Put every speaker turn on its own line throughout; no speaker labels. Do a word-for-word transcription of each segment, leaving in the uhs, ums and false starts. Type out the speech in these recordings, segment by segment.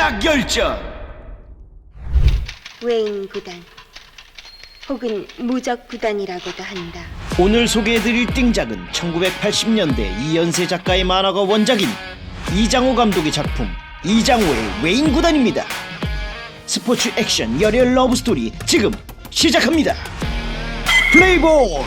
띵작 열전.
웨인 구단 혹은 무적 구단이라고도 한다.
오늘 소개해드릴 띵작은 천구백팔십 년대 이연세 작가의 만화가 원작인 이장호 감독의 작품 이장호의 웨인 구단입니다. 스포츠 액션 열혈 러브스토리 지금 시작합니다. 플레이볼!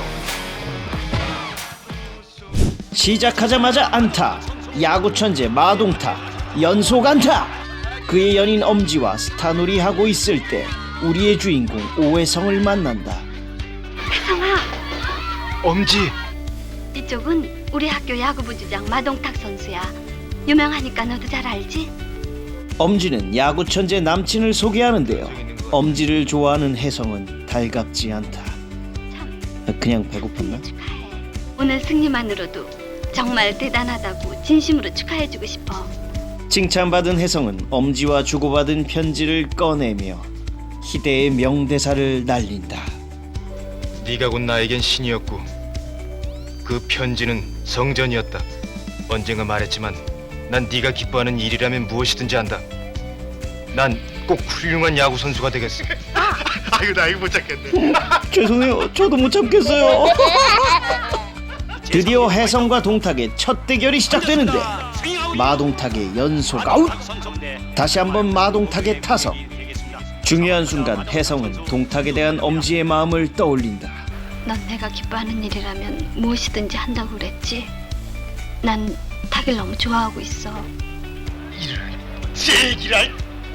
시작하자마자 안타, 야구 천재 마동타, 연속 안타. 그의 연인 엄지와 스타놀이 하고 있을 때 우리의 주인공 오해성을 만난다.
혜성아,
엄지.
이쪽은 우리 학교 야구부 주장 마동탁 선수야. 유명하니까 너도 잘 알지?
엄지는 야구 천재 남친을 소개하는데요. 엄지를 좋아하는 혜성은 달갑지 않다.
참
그냥 배고팠나?
축하해. 오늘 승리만으로도 정말 대단하다고 진심으로 축하해주고 싶어.
칭찬받은 혜성은 엄지와 주고받은 편지를 꺼내며 희대의 명대사를 날린다.
네가 곧 나에겐 신이었고 그 편지는 성전이었다. 언젠가 말했지만 난 네가 기뻐하는 일이라면 무엇이든지 한다. 난 꼭 훌륭한 야구 선수가 되겠어. 아이고 나 이거 못 참겠네.
죄송해요. 저도 못 참겠어요. 드디어 혜성과 동탁의 첫 대결이 시작되는데 마동탁의 연속 아웃. 다시 한번 마동탁의 타석. 중요한 순간 혜성은 동탁에 대한 엄지의 마음을 떠올린다.
넌 내가 기뻐하는 일이라면 무엇이든지 한다고 그랬지? 난 탁을 너무 좋아하고 있어.
제기랄.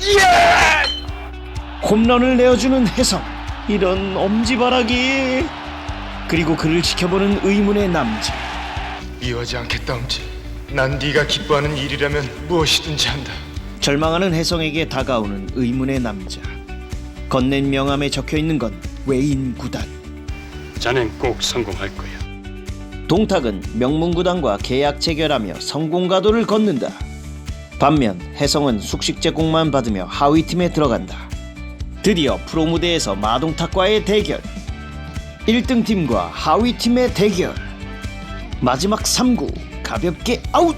홈런을 내어주는 혜성. 이런 엄지바라기. 그리고 그를 지켜보는 의문의 남자.
이어지 않겠다 엄지. 난 네가 기뻐하는 일이라면 무엇이든지 한다.
절망하는 혜성에게 다가오는 의문의 남자. 건넨 명함에 적혀있는 건 웨인 구단.
자넨 꼭 성공할 거야.
동탁은 명문구단과 계약 체결하며 성공 가도를 걷는다. 반면 혜성은 숙식 제공만 받으며 하위팀에 들어간다. 드디어 프로 무대에서 마동탁과의 대결. 일 등 팀과 하위팀의 대결. 마지막 삼 구 가볍게 아웃.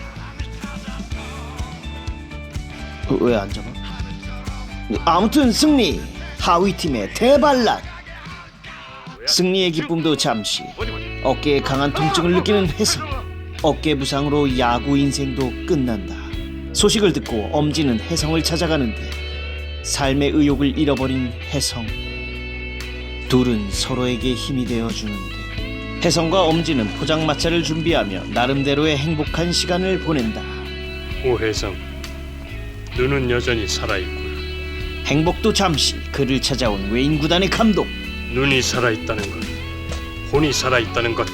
왜 안 잡아? 아무튼 승리. 하위팀의 대반란. 승리의 기쁨도 잠시. 어깨에 강한 통증을 느끼는 혜성. 어깨 부상으로 야구 인생도 끝난다. 소식을 듣고 엄지는 혜성을 찾아가는데 삶의 의욕을 잃어버린 혜성. 둘은 서로에게 힘이 되어주는데 혜성과 엄지는 포장마차를 준비하며 나름대로의 행복한 시간을 보낸다.
오혜성, 눈은 여전히 살아있구나.
행복도 잠시. 그를 찾아온 웨인 구단의 감독.
눈이 살아있다는 것, 혼이 살아있다는 것.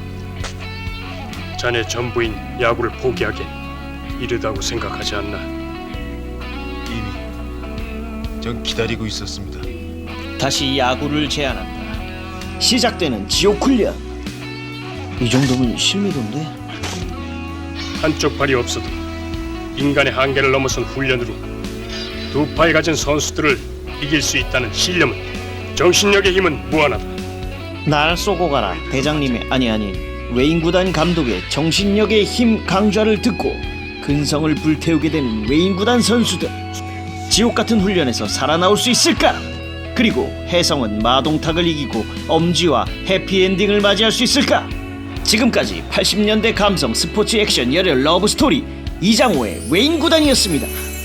자네 전부인 야구를 포기하기엔 이르다고 생각하지 않나?
이미 전 기다리고 있었습니다.
다시 야구를 제안한다. 시작되는 지옥 훈련. 이 정도면 실미도인데?
한쪽 발이 없어도 인간의 한계를 넘어선 훈련으로 두 팔 가진 선수들을 이길 수 있다는 신념은, 정신력의 힘은 무한하다.
날 쏘고 가라. 대장님의 아니 아니 웨인 구단 감독의 정신력의 힘 강좌를 듣고 근성을 불태우게 되는 웨인 구단 선수들. 지옥 같은 훈련에서 살아나올 수 있을까? 그리고 혜성은 마동탁을 이기고 엄지와 해피엔딩을 맞이할 수 있을까? 지금까지 팔십 년대 감성 스포츠 액션 열혈 러브스토리 이장호의 웨인 구단이었습니다.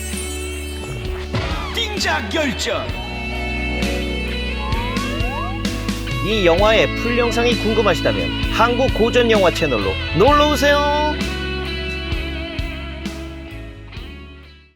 띵작 열전. 이 영화의 풀 영상이 궁금하시다면 한국 고전 영화 채널로 놀러 오세요.